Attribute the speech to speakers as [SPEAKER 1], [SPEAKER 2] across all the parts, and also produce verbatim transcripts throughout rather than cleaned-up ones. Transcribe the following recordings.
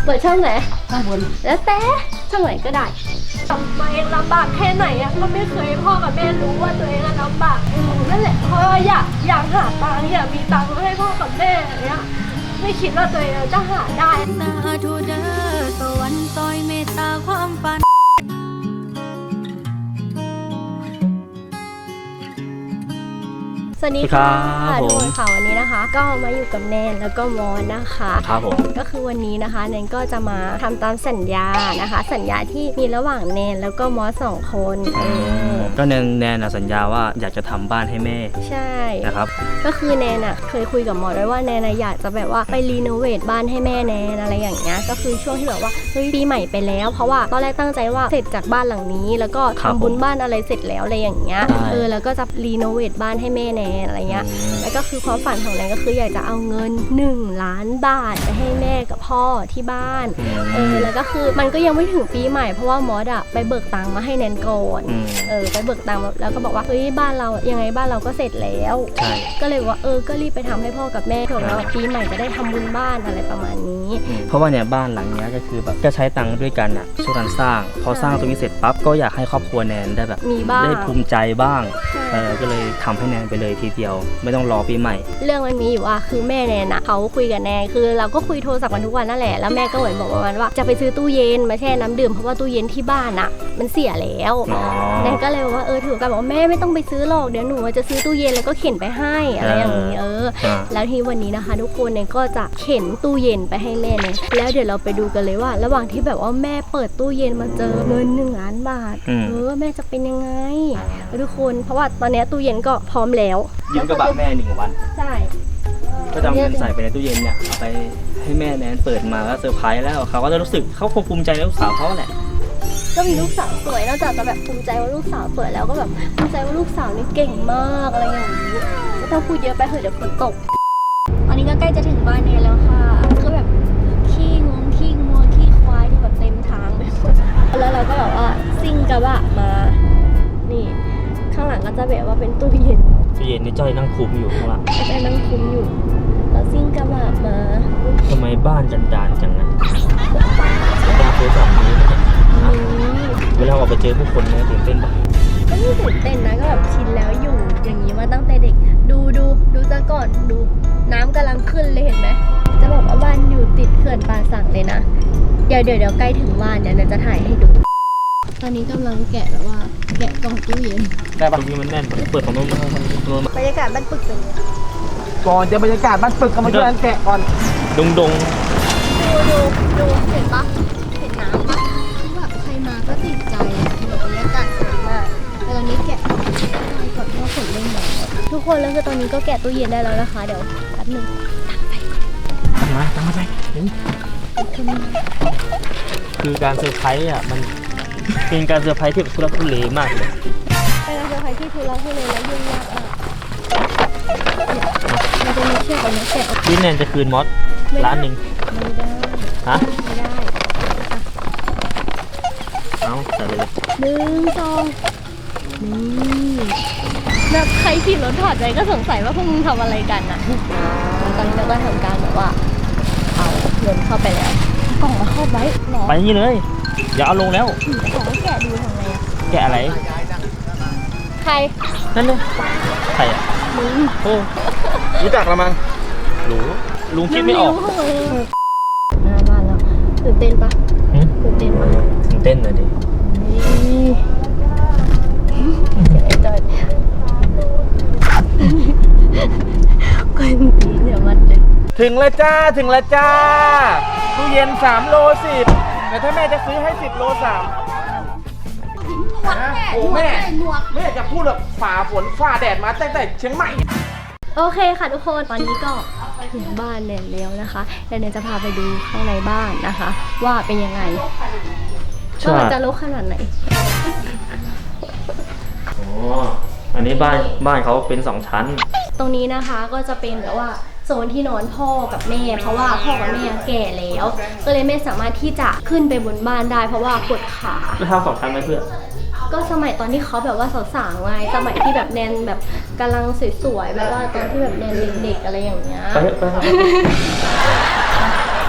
[SPEAKER 1] ปิดช่องไหน
[SPEAKER 2] ข้างบน
[SPEAKER 1] แล้วแต่ช่องไหนก็ได้ทำไมลำบากแค่ไหนอะก็ไม่เคยพ่อกับแม่รู้ว่าตัวเองลำบากนั่นแหละเพราะอยากอยากหาตังค์อยากมีตังค์ให้พ่อกับแม่อย่างเงี้ยไม่คิดว่าตัวเองจะหาได้
[SPEAKER 3] สาธุเด้อสวรรค์ซอยเมตตาความฝัน
[SPEAKER 1] สวัสดีค่ะทุกคนค่ะวันนี้นะคะก็มาอยู่กับแนนแล้วก็มอนนะคะ
[SPEAKER 2] ครับผม
[SPEAKER 1] ก็คือวันนี้นะคะแนนก็จะมาทำตามสัญญานะคะสัญญาที่มีระหว่างแนนแล้วก็มอสสองคนเออ
[SPEAKER 2] ก็แนนแนนสัญญาว่าอยากจะทำบ้านให้แม่
[SPEAKER 1] ใช่
[SPEAKER 2] นะครับ
[SPEAKER 1] ก็คือแนนอ่ะเคยคุยกับมอสไว้ว่าแนนอยากจะแบบว่าไปรีโนเวทบ้านให้แม่แนนอะไรอย่างเงี้ยก็คือช่วงที่แบบว่าเฮ้ยปีใหม่ไปแล้วเพราะว่าตอนแรกตั้งใจว่าเสร็จจากบ้านหลังนี้แล้วก็ทำบุญบ้านอะไรเสร็จแล้วอะไรอย่างเงี้ยเออแล้วก็จะรีโนเวทบ้านให้แม่แนนอะไรเงี้ยแล้วก็คือความฝันของแนนก็คืออยากจะเอาเงินหนึ่งล้านบาทไปให้แม่กับพ่อที่บ้านเออแล้วก็คือมันก็ยังไม่ถึงปีใหม่เพราะว่ามอสอะไปเบิกตังค์มาให้แนนก่อนเออไปเบิกตังค์แล้วก็บอกว่าเฮ้ยบ้านเรายังไงบ้านเราก็เสร็จแล้วก็เลยว่าเออก็รีบไปทำให้พ่อกับแม่เผื่อว่าปีใหม่จะได้ทำบุญบ้านอะไรประมาณนี้
[SPEAKER 2] เพราะว่าเนี่ยบ้านหลังนี้ก็คือแบบจะใช้ตังค์ด้วยกันอะช่วยกันสร้างพอสร้างตรงนี้เสร็จปั๊บก็อยากให้ครอบครัวแนนได้แบบ
[SPEAKER 1] มีบ้าง
[SPEAKER 2] ได้ภูมิใจบ้างเออก็เลยทำให้แนนไปเลยทีเดียวไม่ต้องรอปีใหม่
[SPEAKER 1] เรื่องมันมีอยู่ว่าคือแม่แนนนะเขาคุยกับแนนคือเราก็คุยโทรศัพท์กันทุกวันนั่นแหละแล้วแม่ก็เหมือนบอกประมาณว่าจะไปซื้อตู้เย็นมาแช่น้ำดื่มเพราะว่าตู้เย็นที่บ้านอะมันเสียแล้วแนนก็เลยบอกว่าเออถือกันบอกว่าแม่ไม่ต้องไปซื้อหรอกเดี๋ยวหนูจะซื้อตู้เย็นแล้วก็เข็นไปให้อะไรอย่างนี้เออแล้วทีวันนี้นะคะทุกคนแนนก็จะเข็นตู้เย็นไปให้แม่แนนแล้วเดี๋ยวเราไปดูกันเลยว่าระหว่างที่แบบว่าแม่เปิดตู้เย็นมาเจอเงินหนึ่งล้านบาทเออแม่จะเป็นยังไงทุกคนเพราะว่าตอนนี้ตู้เย็นก็พร้อมแล้ว
[SPEAKER 2] ยืมกระบะแม่หนึ่งวัน
[SPEAKER 1] ใช่
[SPEAKER 2] ก็จะเงินใส่ไปในตู้เย็นเนี่ยเอาไปให้แม่แนนเปิดมาแล้วเซอร์ไพรส์แล้วเขาก็จะรู้สึกเขาคงภูมิใจในลูกสาวเขาแหละ
[SPEAKER 1] ก็มีลูกสาวสวยนอกจากจะแบบภูมิใจว่าลูกสาวสวยแล้วก็แบบภูมิใจว่าลูกสาวนี่เก่งมากอะไรอย่างนี้ไม่ต้องพูดเยอะไปเถอะเดี๋ยวฝนตกตอนนี้ก็ใกล้จะถึงบ้านเนยแล้วค่ะก็แบบขี้งวงขี้งัวขี้ควายที่แบบเต็มทางไปหมดแล้วเราก็แบบว่าซิ่งกระบะมานี่ข้างหลังก็จะแบบว่าเป็นตู้เย็น
[SPEAKER 2] ตู้เย็นนี่จ้อยนั่งคุมอยู่ข้างหลัง
[SPEAKER 1] จ้อยนั่งคุมอยู่แล้วซิ่งกระบะมา
[SPEAKER 2] ทำไมบ้านจันจานจังนะต้องเคยสองนี้เวลาออกไปเจอผู้คนเนี่ยตื่นเต้นปะ
[SPEAKER 1] ก็ไม่ตื่นเต้นนะก็แบบชินแล้วอยู่อย่างนี้มาตั้งแต่เด็กดูดูดูซะก่อนดูน้ำกำลังขึ้นเลยเห็นไหมจะบอกว่าบ้านอยู่ติดเขื่อนป่าสักเลยนะเดี๋ยวเดี๋ยวเดี๋ยวใกล้ถึงบ้านเดี๋ยวเราจะถ่ายให้ดูตอนนี้กำลังแกะแบบว่าแกะกล่องตู้เย็น
[SPEAKER 2] ได้ปะตรงนี้มันแน่นเปิดของโน้น
[SPEAKER 1] บรรยากาศบ้านปึกเป็นไง
[SPEAKER 4] ก่อนจะบรรยากาศบ้านปึกก็มาช่วยกันแกะก่อน
[SPEAKER 2] ดงดง
[SPEAKER 1] ดูดูดูเห็นปะเห็นน้ำปะคือแบบใครมาก็ติดใจแบบบรรยากาศสวยมากแต่ตอนนี้แกะไปก่อนเพราะฝนเริ่มตกทุกคนแล้วคือตอนนี้ก็แกะตู้เย็นได้แล้วนะคะเดี๋ยวแป๊บนึง
[SPEAKER 2] ตั้งไปตั้งมาตั้งมาไปคือการเซอร์ไพรส์อ่ะมันเป็นการเซอร์ไพรส์ที่ทุลักทุเลมากเลย
[SPEAKER 1] เป็นการเซอร์ไพรส์ที่ทุลักทุเลและยุ่งยากอ่ะมันจะมีเชือกอันนี้แกะ
[SPEAKER 2] พี่แนนจะคืนมอสร้านหนึ่ง
[SPEAKER 1] ไม่ได้
[SPEAKER 2] ฮะ
[SPEAKER 1] ไม่ได้
[SPEAKER 2] เอาใส่ไปเลย
[SPEAKER 1] หนึ่งสองนี่แบบใครขี่รถถอดใจก็สงสัยว่าพวกมึงทำอะไรกันอ่ะแล้วตอนนี้เราก็ทำการแบบว่าเอาเงินเข้าไปแล้วกล่องมาครอบไว้หรอ
[SPEAKER 2] ไปนี่เลยอย่าเอาลงแล้ว
[SPEAKER 1] ขอแกะดูทำไงอะ
[SPEAKER 2] แกะอะไร
[SPEAKER 1] ใคร
[SPEAKER 2] นั่นเลยใครอ่ะ
[SPEAKER 1] มึง
[SPEAKER 2] โอ้
[SPEAKER 4] รู้จักละมั้ง
[SPEAKER 2] รู้ลุงคิดไม่ออก
[SPEAKER 1] หน้าบ้านแล้วตื่นเต้นปะตื่นเต้นปะ
[SPEAKER 2] ตื่นเต้นเลยดิ
[SPEAKER 1] จอยก้อยตีเดี๋ยวมันเลย
[SPEAKER 4] ถึงแล้วจ้าถึงแล้วจ้าตู้เย็นสามโลสิบแต่ถ้าแม่จะซื้อให้สิบโลสามโอ้แม่แม่จะพูดแบบฝ่าฝนฝ่าแดดมาตั้งแต่เชียงใหม่
[SPEAKER 1] โอเคค่ะทุกคนตอนนี้ก็ถึงบ้านแนนแล้วนะคะแนนจะพาไปดูข้างในบ้านนะคะว่าเป็นยังไงว่ามันจะรกขนาดไหน
[SPEAKER 2] อ๋ออันนี้บ้านบ้านเขาเป็นสองชั้น
[SPEAKER 1] ตรงนี้นะคะก็จะเป็นแบบว่าโซนที่นอนพ่อกับแม่เพราะว่าพ่อกับแม่แก่แล้วก็เลยไม่สามารถที่จะขึ้นไปบนบ้านได้เพราะว่าปวดขา
[SPEAKER 2] แล้วทำสองชั้นไหมเพื่อน
[SPEAKER 1] ก็สมัยตอนที่เขาแบบว่าสาวๆไงสมัยที่แบบแนนแบบกำลังสวยๆแบบว่าตอนที่แบบแนนเด็กๆอะไรอย่างเงี้ย
[SPEAKER 2] ไปไป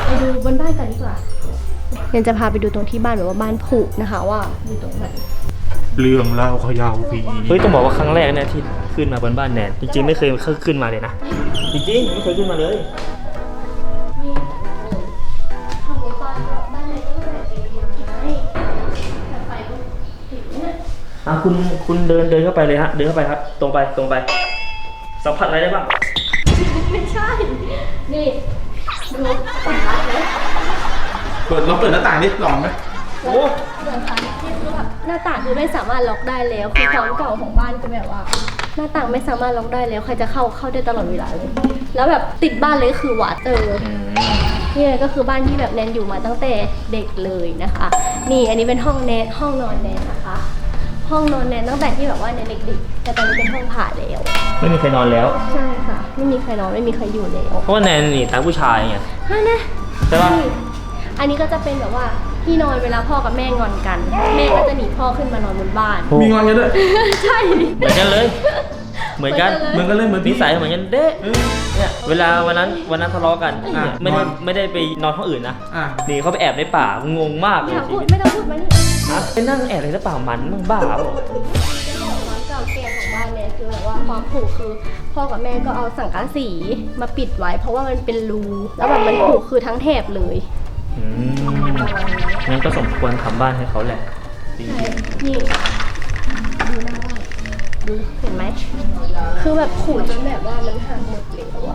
[SPEAKER 1] ไปดูบนบ้านกันดีกว่าเดี๋ยวจะพาไปดูตรงที่บ้านแบบว่าบ้านผุนะคะว่าอยู่ตรงไหน
[SPEAKER 4] เรื่องเล่าเขยาวผี
[SPEAKER 2] เฮ้ยต้องบอกว่าครั้งแรกเนี่ยที่ขึ้นมาบนบ้านแนนจริงๆไม่เคยขึ้นมาเลยนะจริงๆไม่เคยขึ้นมาเลย
[SPEAKER 1] นี่ทำในบ้านบ้านเลยก็แบบเป็นไม้แต่ไฟก็ติดเนี่ย
[SPEAKER 2] อ่ะคุณคุณเดินเดินเข้าไปเลยฮะเดินเข้าไปครับ ตรงไปตรงไปสัมผัสอะไรได้บ้าง
[SPEAKER 1] ไม่ใช่นี่ดูสัมผัสเลย
[SPEAKER 4] เปิดลองเปิดหน้าต่างนี่ลองไหม
[SPEAKER 2] โอ้
[SPEAKER 1] เปิดไฟนี่คือแบบหน้าต่างคือไม่สามารถล็อกได้แล้วคือความเก่าของบ้านคือแบบว่า หน้าต่างไม่สามารถล็อกได้แล้วใครจะเข้าเข้าได้ตลอดเวลาเลยแล้วแบบติดบ้านเลยคือวัดเออ
[SPEAKER 2] อืม
[SPEAKER 1] นี่ก็คือบ้านที่แบบแนนอยู่มาตั้งแต่เด็กเลยนะคะ นี่อันนี้เป็นห้องแนนห้องนอนแนนนะคะ ห้องนอนแนนตั้งแต่ที่แบบว่าแนนเด็กๆแต่ตอนนี้เป็นห้องผ่าแล้ว
[SPEAKER 2] ไม่มีใครนอนแล้ว
[SPEAKER 1] ใช่ค่ะ ไม่มีใครนอนไม่มีใครอยู่แล้ว
[SPEAKER 2] เพราะว่าแนนนี่ตามผู้ชายไง
[SPEAKER 1] ฮะนะ
[SPEAKER 2] ใช่ปะ
[SPEAKER 1] นี่อันนี้ก็จะเป็นแบบว่าที่นอนเวลาพ่อกับแม่งอนกัน แม่ก็จะหนีพ่อขึ้นมานอนบนบ้าน
[SPEAKER 4] มีงอนกันด้วย
[SPEAKER 1] ใช่
[SPEAKER 2] เหมือนกันเลย เหมือนกัน
[SPEAKER 4] เหมือนกันเลยเหมือน
[SPEAKER 2] นิ
[SPEAKER 4] พี่
[SPEAKER 2] สัยเหมือนกันเด้
[SPEAKER 4] เออ
[SPEAKER 2] เนี่ยเวลาวันนั้นวันนั้นทะเลาะกัน
[SPEAKER 4] อ่ะ
[SPEAKER 2] ไม่ได้
[SPEAKER 4] นอน
[SPEAKER 2] ไม่ได้ไปนอนห้องอื่นนะ
[SPEAKER 4] อ่ะ
[SPEAKER 2] หนีเขาไปแอบในป่างงมากเล
[SPEAKER 1] ไม่
[SPEAKER 2] ย
[SPEAKER 1] ต้อง
[SPEAKER 2] ชี
[SPEAKER 1] พูด
[SPEAKER 2] วิต
[SPEAKER 1] ไม่ต้องพูดมานี่
[SPEAKER 2] ฮะไปนั่งแอบในป่ามันมึงบ้าเปล่า
[SPEAKER 1] ความเก่าแก่ของบ้านเนี่ยคือแบบว่าความผุคือพ่อกับแม่ก็เอาสังกะสีมาปิดไว้ เพราะว่ามันเป็นรูแล้วแบบมันผุคือทั้งแถบเลย
[SPEAKER 2] อืมงั้นก็สมควรทำบ้านให้เขาแหละจริง
[SPEAKER 1] ใช่นี่ดูหน้าบ้านดูเห็นไหมคือแบบผุจนแบบว่ามันหักหมดเลยอะ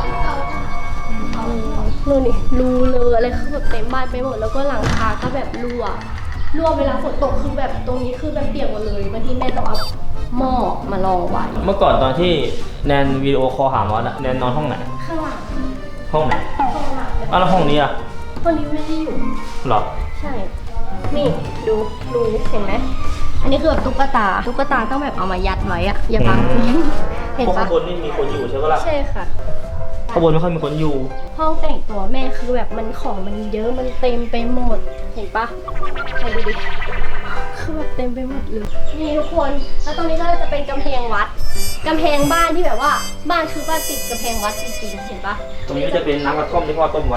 [SPEAKER 1] นู่นนี่รูเลยอะไรคือแบบเต็มบ้านไปหมดแล้วก็หลังคาก็แบบรั่วรั่วเวลาฝนตกคือแบบตรงนี้คือแบบเปียกหมดเลยบางทีแม่ต้องเอาหม้อมารองไว้
[SPEAKER 2] เมื่อก่อนตอนที่แนนวิดีโอคอลหามอสอะแนนนอนห้องไหน
[SPEAKER 1] ข้างหลัง
[SPEAKER 2] ห้องไหน
[SPEAKER 1] ห้องหลัง
[SPEAKER 2] อ้าวแล้วห้องนี้อะ
[SPEAKER 1] ห้องนี้ไม่ได้อยู่
[SPEAKER 2] หรอ
[SPEAKER 1] ใช่ นี่ดูดูเห็นไหมอันนี้คือแบบตุ๊กตาตุ๊กตาต้องแบบเอามายัดไว้อะอย่าบัง
[SPEAKER 2] อืม
[SPEAKER 1] เห็น
[SPEAKER 2] พวก
[SPEAKER 1] ปะ
[SPEAKER 2] ข้างบนนี่มีคนอยู่ใช่ปะล่ะ
[SPEAKER 1] ใช่ค่ะ
[SPEAKER 2] ข้างบนไม่ค่อยมีคนอยู่
[SPEAKER 1] ห้องแต่งตัวแม่คือแบบมันของมันเยอะมันเต็มไปหมด เห็นปะใครดูดิคือแบบเต็มไปหมดเลยนี่ทุกคนแล้วตรงนี้ก็จะเป็นกำแพงวัดกำแพงบ้านที่แบบว่าบ้านคือบ้านติดกำแพงวัดจริงๆเห็นปะ
[SPEAKER 2] ตรงนี้ก็จะเป็นน้ำกระท่อมที่พ่อต้มไว้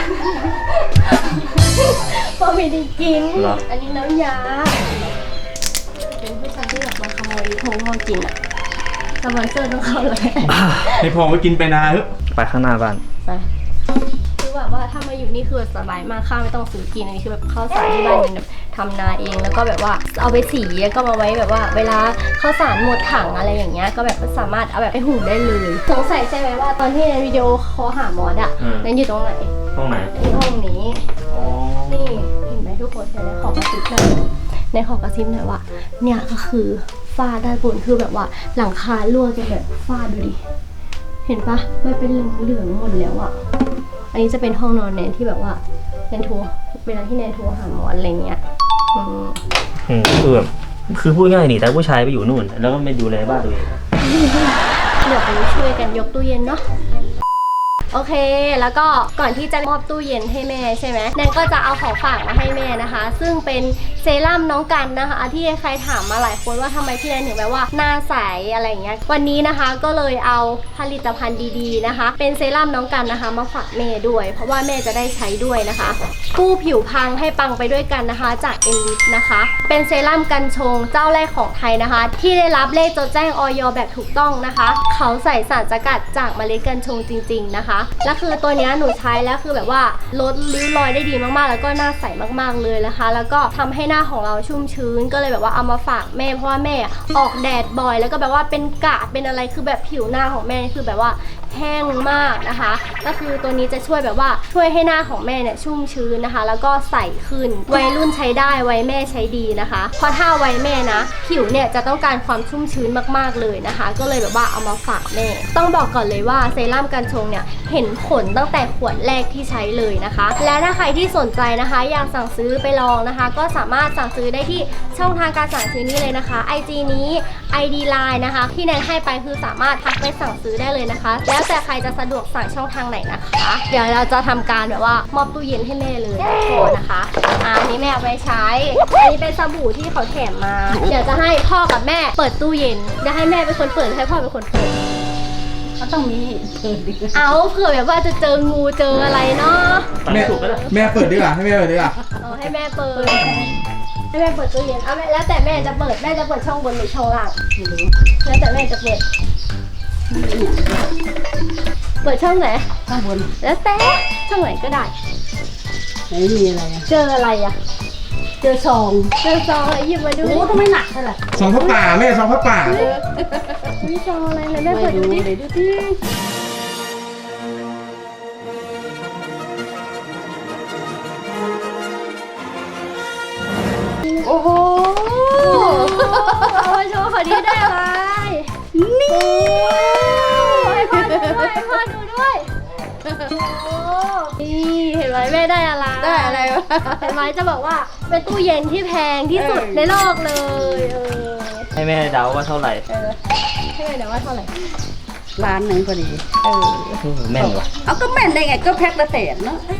[SPEAKER 1] พอไม่ได้กิน
[SPEAKER 2] เหรอ
[SPEAKER 1] อันนี้น้ำยาเป็นผู้ชายที่แบบมาขโมยของพ่อกินอะสปอนเซอร์ต้องเข้าเลย
[SPEAKER 4] ให้พอไปกินไปนาเถอะ
[SPEAKER 2] ไปข้างหน้าบ้าน
[SPEAKER 1] ไปคือแบบว่าถ้ามาอยู่นี่คือสบายมากข้าวไม่ต้องซื้อกินอันนี้คือแบบข้าวสารที่บ้านแบบทำนาเองแล้วก็แบบว่าเอาไปสีแล้วก็มาไว้แบบว่า เวลาข้าวสารหมดถังอะไรอย่างเงี้ยก็แบบสามารถเอาแบบไปหุงได้เลยสงสัยใช่ไหมว่าตอนที่ในวิดีโอคอลหามอสอะ
[SPEAKER 2] อืม
[SPEAKER 1] นั้นอยู่ตรงไหน
[SPEAKER 2] ห้องไหน
[SPEAKER 1] ที่ห้องนี้
[SPEAKER 2] อ๋อ
[SPEAKER 1] นี่เห็นไหมทุกคนเห็นไหมขอกระซิบหน่อยในขอกระซิบหน่อยว่าเนี่ยก็คือฝ้าด้านบนคือแบบว่าหลังคารั่วจนแบบฝ้าดูดิเห็นปะมันเป็นเหลืองๆหมดแล้วอะอันนี้จะเป็นห้องนอนแนนที่แบบว่าแนนโทรเวลาที่แนนโทรหาหมอนอะไรเงี้ยอืม
[SPEAKER 2] อืมคือแบบคือพูดง่ายหนีแต่ผู้ชายไปอยู่นู่น แล้วก็ไม่ดูแลบ้านตัวเอง
[SPEAKER 1] เดี๋ยวไปช่วยกันยกตู้เย็นเนาะโอเคแล้วก็ก่อนที่จะมอบตู้เย็นให้แม่ใช่ไหมแนนก็จะเอาของฝากมาให้แม่นะคะ ซึ่งเป็นเซรั่มน้องกันนะคะที่ใครถามมาหลายคนว่าทำไมพี่แนนถึงแบบว่าหน้าใสอะไรอย่างเงี้ยวันนี้นะคะก็เลยเอาผลิตภัณฑ์ดีๆนะคะ เป็นเซรั่มน้องกันนะคะมาฝากแม่ด้วย เพราะว่าแม่จะได้ใช้ด้วยนะคะกู้ผิวพังให้ปังไปด้วยกันนะคะจากเอลิสนะคะเป็นเซรั่มกันชงเจ้าแรกของไทยนะคะ ที่ได้รับเลขจดแจ้งออยแบบถูกต้องนะคะ เขาใส่สารสกัดจากเมล็ดกัญชงจริงๆนะคะและคือตัวเนี้ยหนูใช้แล้วคือแบบว่าลดริ้วรอยได้ดีมากๆแล้วก็หน้าใสมากๆเลยนะคะแล้วก็ทำให้หน้าของเราชุ่มชื้นก็เลยแบบว่าเอามาฝากแม่เพราะว่าแม่ออกแดดบ่อยแล้วก็แบบว่าเป็นกระเป็นอะไรคือแบบผิวหน้าของแม่คือแบบว่าแห้งมากนะคะก็คือตัวนี้จะช่วยแบบว่าช่วยให้หน้าของแม่เนี่ยชุ่มชื้นนะคะแล้วก็ใสขึ้นวัยรุ่นใช้ได้วัยแม่ใช้ดีนะคะเพราะถ้าวัยแม่นะผิวเนี่ยจะต้องการความชุ่มชื้นมากๆเลยนะคะก็เลยแบบว่าเอามาฝากแม่ต้องบอกก่อนเลยว่าเซรั่มกันชงเนี่ยเห็นผลตั้งแต่ขวดแรกที่ใช้เลยนะคะและถ้าใครที่สนใจนะคะอยากสั่งซื้อไปลองนะคะก็สามารถสั่งซื้อได้ที่ช่องทางการสั่งซื้อนี้เลยนะคะ ไอ จี นี้ ไอ ดี ไลน์ นะคะที่แนนให้ไปคือสามารถทักไปสั่งซื้อได้เลยนะคะแล้วแต่ใครจะสะดวกสั่งช่องทางไหนนะคะเดี๋ยวเราจะทำการแบบว่ามอบตู้เย็นให้แม่เลยโทรนะคะอ่าอันนี้แม่เอาไปใช้อันนี้เป็นสบู่ที่เขาแถมมาเดี๋ยวจะให้พ่อกับแม่เปิดตู้เย็นจะให้แม่เป็นคนเปิดให้พ่อเป็นคนเปิด
[SPEAKER 5] ก็ต้องมีเปิดดิ
[SPEAKER 1] เอาเผื่อแบบว่าจะเจองูเจออะไรเนาะ
[SPEAKER 2] ตัด
[SPEAKER 4] แม่
[SPEAKER 2] ถูกก็ได้
[SPEAKER 4] แม่เปิดดีกว่าให้แม่เปิดดีกว่า
[SPEAKER 1] เอาให้แม่เปิดให้แม่เปิดตู้เย็นเอาแม่แล้วแต่แม่จะเปิดแม่จะเปิดช่องบนหรือช่องล่าง
[SPEAKER 5] ไม่รู้
[SPEAKER 1] แล้วแต่แม่จะเปิด เปิดช่องไหน
[SPEAKER 5] ข้างบน
[SPEAKER 1] แล้วแต่ช่องไหนก็ได้
[SPEAKER 5] ไหนมีอะไรอ่ะ
[SPEAKER 1] เจออะไรอ่ะ
[SPEAKER 5] เจอซอง
[SPEAKER 1] เจอซองอะไรหยิบมาดู
[SPEAKER 5] โอ้ทำไมหนักเท่าไหร่
[SPEAKER 4] ซองพระป่าแม่ซองพระป่า
[SPEAKER 1] มีซองอะไรเลยแม่เปิดดูดิ
[SPEAKER 5] เดี๋ยวดูดิ
[SPEAKER 1] โอ้โหเอามาโชว์ขอดีได้อะไรนี่ให้พ่อดูด้วยให้พ่อดูด้วยโอ้นี่เห็นไหมแม่ได้อะไร
[SPEAKER 5] ได้อะไรวะ
[SPEAKER 1] เห็นไหมจะบอกว่าเป็นตู้เย็นที่แพงที่สุดในโลกเลยเออ
[SPEAKER 2] ให้แม่เดาว่าเท่าไหร่
[SPEAKER 1] เออให้แม่เดี๋ยวว่าเท่าไหร่
[SPEAKER 5] ร้านหนึ่งพอดี
[SPEAKER 1] เออ
[SPEAKER 2] โอ้โหแม่นว่ะ
[SPEAKER 5] เอาก็แม่นได้ไงก็แพ็คละแสนเนาะ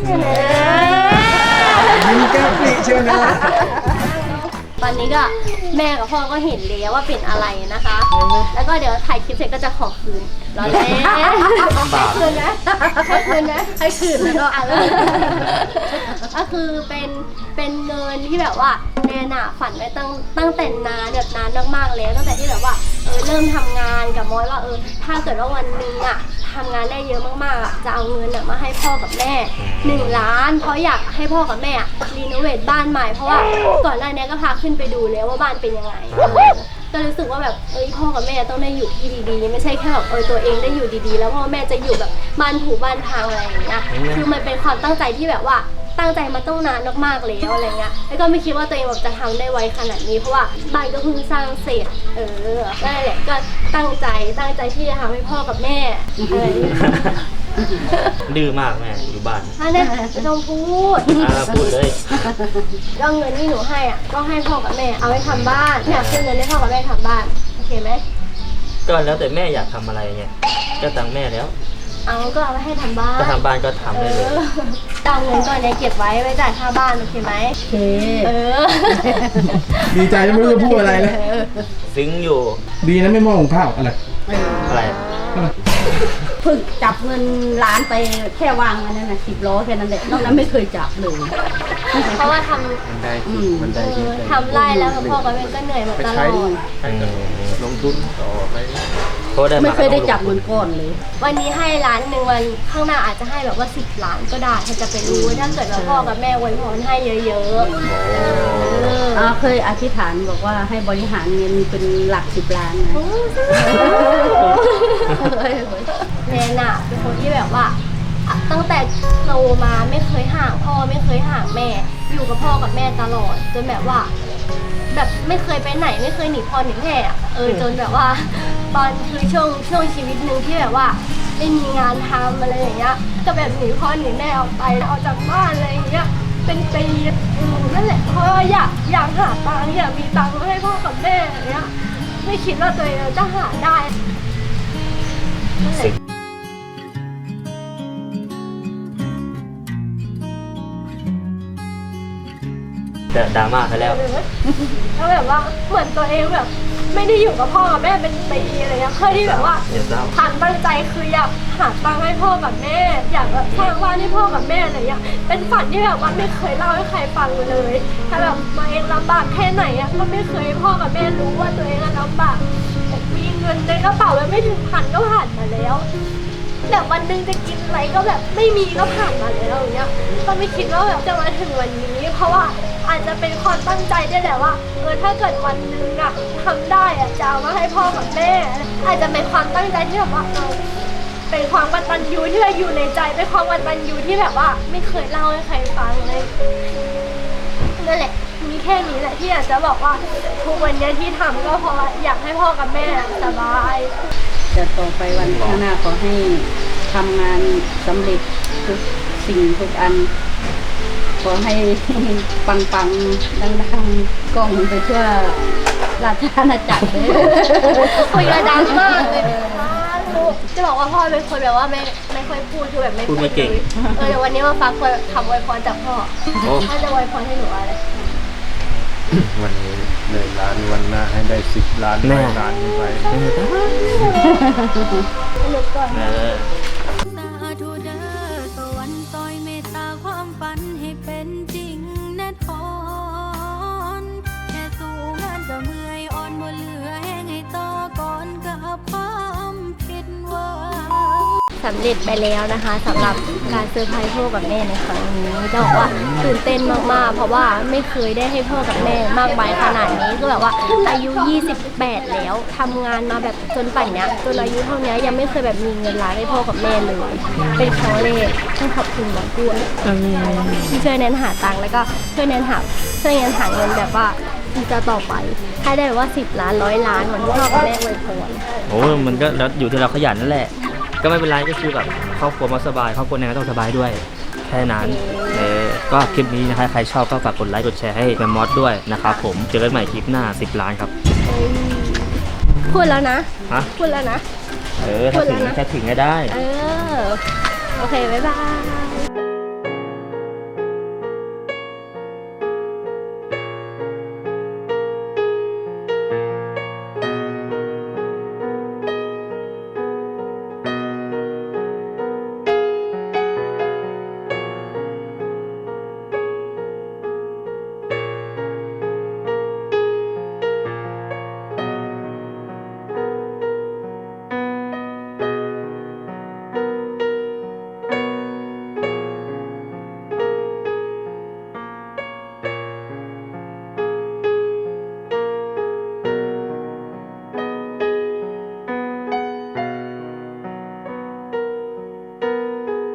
[SPEAKER 4] ยิ้มแก้มปริเชียวนะ
[SPEAKER 1] ตอนนี้ก็แม่กับพ่อก็เห็นแล้วว่าเป็นอะไรนะคะ แล้วก็เดี๋ยวถ่ายคลิปเสร็จก็จะขอคืนรอแล้วให้คืนนะให้คืนนะให้คืนแล้วก็อ่ะแล้วก็คือเป็นเป็นเงินที่แบบว่าแนนอะฝันไว้ตั้งตั้งแต่นานแบบนานมากๆแล้วตั้งแต่ที่แบบว่าเออเริ่มทำงานกับมอสว่าเออถ้าเกิดว่าวันหนึงอะทำงานได้เยอะมากๆอะจะเอาเงินอะมาให้พ่อกับแม่หนึ่งล้านเพราะอยากให้พ่อกับแม่รีโนเวทบ้านใหม่เพราะว่าก่อนหน้านี้ก็พาขึ้นไปดูแล้วว่าบ้านเป็นยังไงเออก็รู้สึกว่าแบบเอ้ยพ่อกับแม่ต้องได้อยู่ที่ดีๆไม่ใช่แค่แบบเออตัวเองได้อยู่ดีๆ แล้วพ่อแม่จะอยู่แบบบ้านถูบ้านทางอะไรอย่างเงี้ยคือมันเป็นความตั้งใจที่แบบว่าตั้งใจมาต้องนานมากๆแล้วอะไรเงี้ยแล้วก็ไม่คิดว่าตัวเองแบบจะทำได้ไวขนาดนี้เพราะว่าบ้านก็เพิ่งสร้างเสร็จเออนั่นแหละก็ตั้งใจตั้งใจที่จะทำให้พ่อกับแม่อะไรอย่างเงี้ย
[SPEAKER 2] ดื้อมากแม่อยู่บ้าน
[SPEAKER 1] อันนี้ไม่ต้องพูด
[SPEAKER 2] อ่าพูดเลย
[SPEAKER 1] แล้วเงินที่หนูให้อ่ะก็ให้พ่อกับแม่เอาไว้ทำบ้านอยากซื้อเงินให้พ่อกับแม่ทำบ้านโอเคไหม
[SPEAKER 2] ก็แล้วแต่แม่อยากทำอะไรไงก็ตังค์แม่แล้ว
[SPEAKER 1] เอาก็เอาไว้ให้ทำบ้าน
[SPEAKER 2] ก็ทำบ้านก็ทำ
[SPEAKER 1] เอ
[SPEAKER 2] ได้เลย
[SPEAKER 1] อเอาเงินก้อนนี้เก็บไว้ไว้จ่ายค่าบ้านโอเคไหม
[SPEAKER 5] โอเค
[SPEAKER 1] เออ
[SPEAKER 4] ดีใจจะไม่รู้จะพูดอะไรเลย
[SPEAKER 2] ซึ้งอยู่
[SPEAKER 4] ดีนะไม่มองของข้าวอะไร
[SPEAKER 2] อะไร
[SPEAKER 5] ฝึกจับเงินล้านไปแค่วางอันนั้นนะสิบล้อแค่นั้นแหละนอกนั้นไม่เคยจับเลย
[SPEAKER 1] เพราะว่าท
[SPEAKER 6] มันได้
[SPEAKER 5] อื
[SPEAKER 6] ที่
[SPEAKER 5] ม
[SPEAKER 6] มันได้
[SPEAKER 1] ำเอ
[SPEAKER 6] ที่
[SPEAKER 1] อทำไร่แล้วพ่อกับแม่ก็เหนื่อยมา
[SPEAKER 6] ไป
[SPEAKER 1] ตล
[SPEAKER 6] ใช้
[SPEAKER 1] อด
[SPEAKER 6] ให้กับลงทุนต่อไป
[SPEAKER 2] เพราะได้มา
[SPEAKER 5] ไม่เคยได้
[SPEAKER 2] ก็ต้องลง
[SPEAKER 5] จับเงินก้อนเลย
[SPEAKER 1] วันนี้ให้ล้านหนึ่งวันข้างหน้าอาจจะให้แบบว่าสิบล้านก็ได้ถ้าจะไปรู้ถ้าเกิดว่าพ่อกับแม่อวยพรให้เยอะๆเออ
[SPEAKER 5] อ่าเคยอธิษฐานบอกว่าให้บริหารเงินเป็นหลักสิบล้านนะ
[SPEAKER 1] แนนอะเป็นคนที่แบบว่าอะตั้งแต่โตมาไม่เคยห่างพ่อไม่เคยห่างแม่ อยู่กับพ่อกับแม่ตลอดจนแบบว่า แบบไม่เคยไปไหนไม่เคยหนีพ่อหนีแม่อะเออจนแบบว่า ตอนคือช่วงช่วงชีวิตหนึ่งที่แบบว่าไม่มีงานทำอะไรอย่างเงี้ยก็แบบหนีพ่อหนีแม่ออกไปออกจากบ้านอะไรอย่างเงี้ยเป็นปีอืมนั่นแหละเพราะว่าอยากอยากหาตังค์อยากมีตังค์ให้พ่อกับแม่อย่างเงี้ยไม่คิดว่าตัวเองจะหาได้นั่นแหละ
[SPEAKER 2] แต่ดราม่าไปแล้ว
[SPEAKER 1] แล้วแบบว่าเหมือนตัวเองแบบ ไม่ได้อยู่กับพ่อกับแม่เป็นปีอะไรเงี้ยเพื่อที่แบบว่า
[SPEAKER 2] เดี๋ยวเศร้า
[SPEAKER 1] ทางตั้งใจคืออยากหาตังค์ให้พ่อกับแม่ อยากแบบสร้างบ้านให้พ่อกับแม่อะไรเงี้ยเป็นฝันที่แบบว่าไม่เคยเล่าให้ใครฟังเลย ถ้าแบบตัวเองลำบากแค่ไหนอะก็ไม่เคยให้พ่อกับแม่รู้ว่าตัวเองอะลำบากมีเงินในกระเป๋าแล้วไม่ถึงพันก็ผ่านมาแล้วแบบวันหนึงจะกินอะไรก็แบบไม่มีก็ผ่านมาแล้วอย่างเงี้ยก็ไม่คิดว่าแบบจะมาถึงวันนี้ เพราะว่าอาจจะเป็นความตั้งใจด้วยแหละว่าเออถ้าเกิดวันหนึงอะทำได้อะจะเอามาให้พ่อกับแม่ อาจจะเป็นความตั้งใจที่แบบว่าเออเป็นความกตัญญูที่เราอยู่ในใจเป็นความกตัญญูที่แบบว่า ไม่เคยเล่าให้ใครฟังเลยนั่นแหละมีแค่นี้แหละที่อยากจะบอกว่าทุกวันนี้ที่ทำก็เพราะว่าอยากให้พ่อกับแม่สบาย
[SPEAKER 5] จะต่อไปวันข้างหน้าขอให้ทำงานสำเร็จทุกสิ่งทุกอัน ขอให้ ปังปังๆดังๆกล้องไปทั่วราชอาณาจักรเลย
[SPEAKER 1] คุยกันดังมากเลยลูกจะบอกว่าพ่อเป็นคนแบบว่าไม่ไม่ค่อยพูดคือแบบไม่
[SPEAKER 2] พูดไม่เก่ง
[SPEAKER 1] ลยเออเดี๋ยววันนี้มาฟังคำอวยพรจากพ่อ
[SPEAKER 2] โอ้
[SPEAKER 1] พ่อจะอวยพรให้หนูอะไร
[SPEAKER 6] วันนี้ได้ล้านวันหน้าให้ได้สิบล้าน
[SPEAKER 2] แน่
[SPEAKER 6] ร้อยล้านขึ้นไป
[SPEAKER 2] เออ
[SPEAKER 1] ลุกก่อน
[SPEAKER 2] เออ
[SPEAKER 3] สาธุเด้อสวรรค์ซอยเมตตาความฝันให้เป็นจริงแน่ทอนแค่สู้งานก็เมื่อยอ่อนบ่เหลือแห้งให้ต่อก่อนกับความผิดหวัง
[SPEAKER 1] สำเร็จไปแล้วนะคะสำหรับการเซอร์ไพรส์พ่อกับแม่ในครั้งนี้จะบอกว่าตื่นเต้นมากๆ เพราะว่าไม่เคยได้ให้พ่อกับแม่มากมายขนาดนี้คือแบบว่าอายุยี่สิบแปดแล้วทำงานมาแบบจนป่านเนี้ยจนอายุเท่านี้ยังไม่เคยแบบมีเงินล้านให้พ่อกับแม่เลย เป็นครั้งแรกต้องขอบคุณหมอด้วยที่ช่วยแนนหาตังค์แล้วก็ช่วยแนนหาช่วยแนนหาเงินแบบว่าจะต่อไปให้ได้แบบว่าสิบล้านร้อยล้านเหมือนที่พ่อกับแม่อวยพร
[SPEAKER 2] โอ้มันก็แล้วอยู่ที่เราขยันนั่นแหละ ก็ไม่เป็นไรก็คือแบบครอบครัวมาสบายครอบครัวแนนก็ต้องสบายด้วยแค่นั้นเออก็คลิปนี้นะคะใครชอบก็ฝากกดไลค์กดแชร์ให้แมมมอสด้วยนะครับผมเจอกันใหม่คลิปหน้าสิบล้านครับ
[SPEAKER 1] พูดแล้วนะ
[SPEAKER 2] ฮะ
[SPEAKER 1] พูดแล้วนะ
[SPEAKER 2] เออถ้าถึงถ้าถึงก็ได้
[SPEAKER 1] เออ โอเค บ๊ายบาย